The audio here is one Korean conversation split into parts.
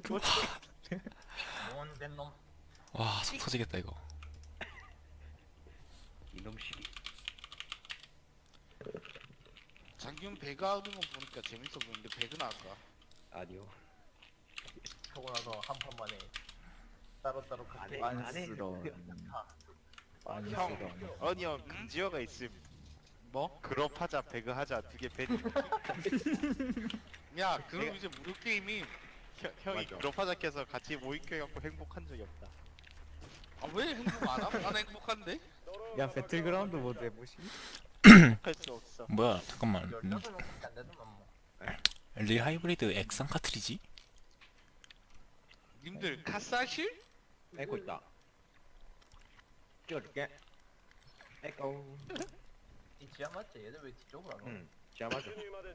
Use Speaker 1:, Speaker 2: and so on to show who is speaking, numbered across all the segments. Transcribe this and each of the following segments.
Speaker 1: 뭔된 놈.
Speaker 2: 와, 속 터지겠다 이거.
Speaker 3: 이놈 시기.
Speaker 4: 장균 배그 하는 거 보니까 재밌어 보이는데 배그나 할까?
Speaker 3: 아니요.
Speaker 1: 하고 나서 한 판 만에 따로따로
Speaker 3: 안 해.
Speaker 1: 그렇게
Speaker 5: 안쓰러운
Speaker 6: 형, 아니 형 금지어가 있음.
Speaker 4: 뭐?
Speaker 6: 그룹하자, 배그하자 두 개 밴.
Speaker 4: 야 그럼 이제 무료 게임이
Speaker 6: 형이
Speaker 3: 맞아.
Speaker 6: 그룹하자 켜서 같이 모임해갖고 행복한 적이 없다.
Speaker 4: 아 왜 행복 안 함? 난 행복한데?
Speaker 5: 야 배틀그라운드 모드 해보시니?
Speaker 6: 할 수 없어.
Speaker 2: 뭐야, 잠깐만.
Speaker 1: 16명밖에 안 되더만 뭐.
Speaker 2: 릴 하이브리드 액상 카트리지?
Speaker 4: 님들 카사실?
Speaker 3: 에코 있다. 찍어줄게. 에코.
Speaker 1: 이 지하 맞지? 얘들 왜 뒤쪽으로 안 와?
Speaker 3: 응. 지하 맞아.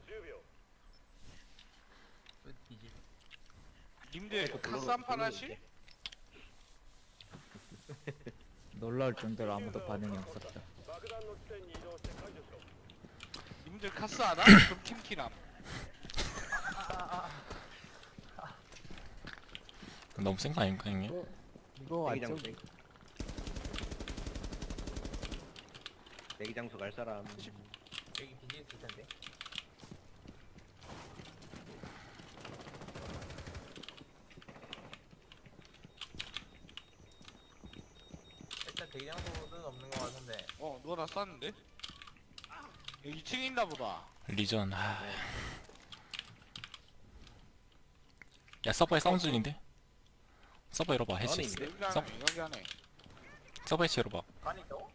Speaker 1: 왜 뒤집?
Speaker 4: 님들
Speaker 3: 에코
Speaker 4: 카스 한 판 하실?
Speaker 5: 놀라울 정도로 아무도 반응이 없었다.
Speaker 4: 님들 카스 하나? 그럼 팀키남.
Speaker 2: 너무 센 거 아닌가 형님?
Speaker 5: 이거
Speaker 3: 대기
Speaker 5: 완전
Speaker 3: 장소. 대기 장소 갈 사람.
Speaker 1: 여기 뒤집 있을 텐데. 일단 대기장소는 없는 것 같은데.
Speaker 4: 누가 나 쐈는데? 여기 2층에 있나 보다.
Speaker 2: 리전. 아. 야, 서버에 사운드 중인데? 서버 열어봐. 해치.
Speaker 3: 안에 있는데?
Speaker 4: 여기 안에 여기 안에.
Speaker 2: 서버 해치 열어봐.
Speaker 1: 간 있다고?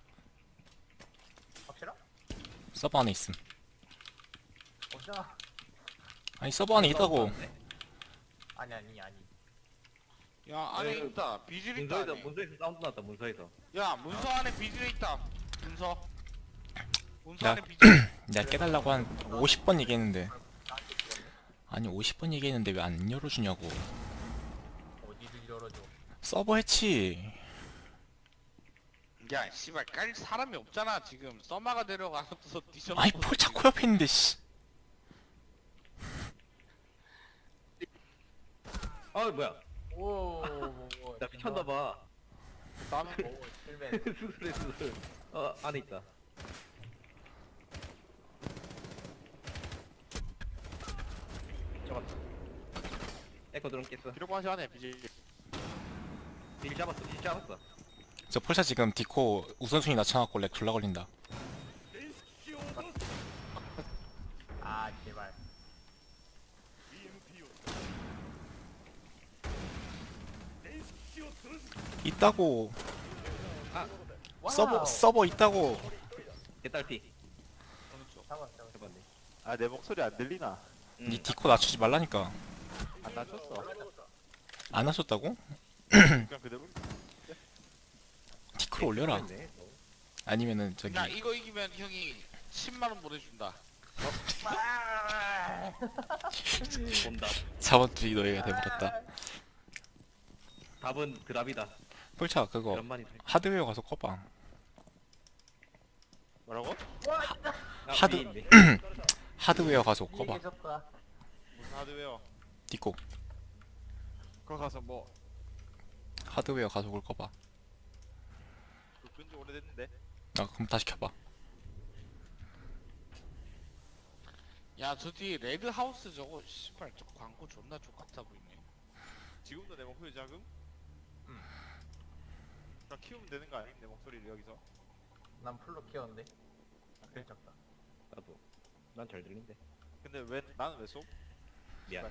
Speaker 1: 확실하?
Speaker 2: 서버 안에 있음.
Speaker 1: 어쩌나?
Speaker 2: 아니 서버 안에 있다고.
Speaker 1: 아니.
Speaker 4: 야 안에
Speaker 3: 네,
Speaker 4: 있다. 비질 있다.
Speaker 3: 문서에서
Speaker 4: 안에.
Speaker 3: 문서에서 사운드 났다. 문서에서.
Speaker 4: 야 문서 안에 비질 있다. 문서. 문서
Speaker 2: 야.
Speaker 4: 안에 비질.
Speaker 2: 내가 깨달라고 한 50번 얘기했는데. 아니 50번 얘기했는데 왜 안 열어주냐고.
Speaker 1: 어디를 열어줘?
Speaker 2: 서버 해치.
Speaker 4: 야 씨발 깔 사람이 없잖아 지금. 써마가 데려가서 뒤져.
Speaker 2: 아니 폴 자꾸 옆에 있는데 씨.
Speaker 3: 아 뭐야?
Speaker 1: 오.
Speaker 3: 나 미쳤나봐.
Speaker 4: 나는
Speaker 1: 오 실패.
Speaker 3: 수술해 수술. 안에 있다. 잡았다. 에코 드론 깼어.
Speaker 6: 기록 마시 안에 비질.
Speaker 3: 딜 잡았어. 딜 잡았어.
Speaker 2: 저 폴차 지금 디코 우선순위 낮춰갖고 렉 졸라 걸린다.
Speaker 1: 아 제발.
Speaker 2: 있다고.
Speaker 1: 와우.
Speaker 2: 서버 있다고.
Speaker 3: 개딸피.
Speaker 1: 잡았어.
Speaker 3: 잡았네.
Speaker 6: 아 내 목소리 안 들리나?
Speaker 2: 니 디코 낮추지 말라니까.
Speaker 6: 안 낮췄어.
Speaker 2: 안 하셨다고?
Speaker 6: 그냥 그대로.
Speaker 2: 디코를 올려라.
Speaker 3: 그랬네.
Speaker 2: 아니면은 저기
Speaker 4: 나 이거 이기면 형이 10만 원 보내준다.
Speaker 3: 본다.
Speaker 2: 자본주의 노예가 돼버렸다.
Speaker 3: 답은 그답이다.
Speaker 2: 폴차 그거
Speaker 3: 그런 말이 돼.
Speaker 2: 하드웨어 가서 꺼봐.
Speaker 6: 뭐라고?
Speaker 2: 하드-
Speaker 3: 위인데.
Speaker 2: 하드웨어 가서 꺼봐.
Speaker 1: 계셨다.
Speaker 6: 무슨 하드웨어?
Speaker 2: 디코
Speaker 6: 그거 가서 뭐?
Speaker 2: 하드웨어 가속을 꺼봐.
Speaker 6: 그거 끈지 오래됐는데.
Speaker 2: 아 그럼 다시 켜봐.
Speaker 4: 야 저 뒤에 레드 하우스 저거 씨발 저 광고 존나 족같아 보이네.
Speaker 6: 지금도 내 목소리 작음? 나 키우면 되는 거 아님? 내 목소리를 여기서.
Speaker 1: 난 풀로 키웠는데. 그래 작다.
Speaker 3: 나도. 난 잘 들린대.
Speaker 6: 근데 왜 나는 왜 쏘?
Speaker 3: 미안.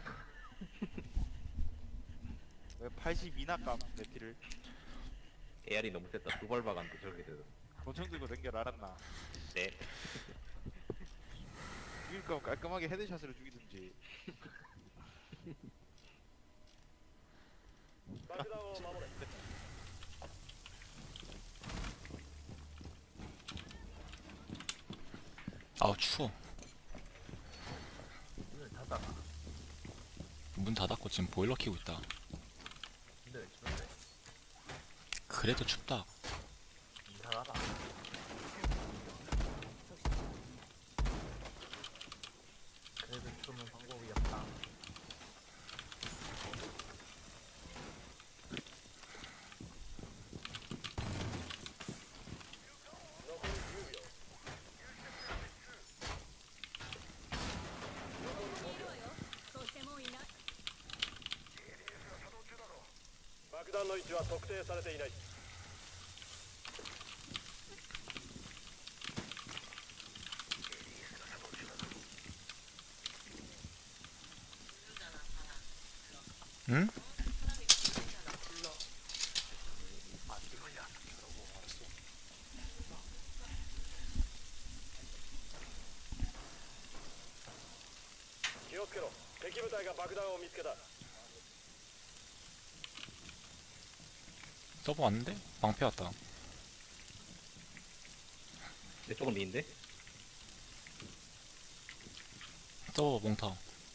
Speaker 6: 왜 82나 깜 내피를
Speaker 3: AR이 너무 셌다. 두 발 박았는데 저렇게 되더.
Speaker 6: 권총 들고 댕겨 알았나?
Speaker 3: 네.
Speaker 6: 죽일 거면 깔끔하게 헤드샷으로 죽이든지.
Speaker 2: 아우 추워.
Speaker 1: 문을 닫아.
Speaker 2: 문 닫았고 지금 보일러 켜고 있다.
Speaker 1: 근데 왜 추운데?
Speaker 2: 그래도 춥다.
Speaker 1: 이상하다. 그래도 추우면 방법이 없다.
Speaker 7: 弾の位置は特定されていない。
Speaker 2: 응? 서버 왔는데? 방패 왔다.
Speaker 3: 내 쪽은 미인데?
Speaker 2: 서버 몽타.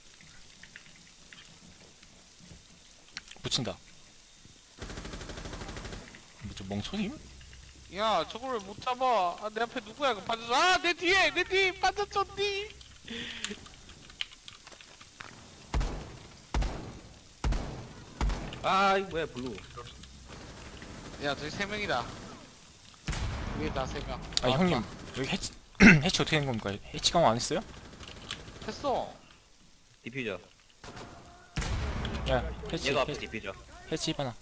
Speaker 2: 붙인다. 뭐저 멍청임?
Speaker 4: 야 저걸 왜 못 잡아? 아 내 앞에 누구야? 그 빠졌어. 아내 뒤에 내 뒤에 빠졌었니?
Speaker 3: 아 이거 뭐야 블루.
Speaker 4: 야 저기 세 명이다. 위에 다 세 명.
Speaker 2: 아니 형님 여기 해치 해치 어떻게 된 겁니까? 해치 강화 안 했어요?
Speaker 4: 했어.
Speaker 3: 디퓨저.
Speaker 2: 야 해치
Speaker 3: 얘가 앞에
Speaker 2: 해치,
Speaker 3: 디퓨저.
Speaker 2: 해치 입하나.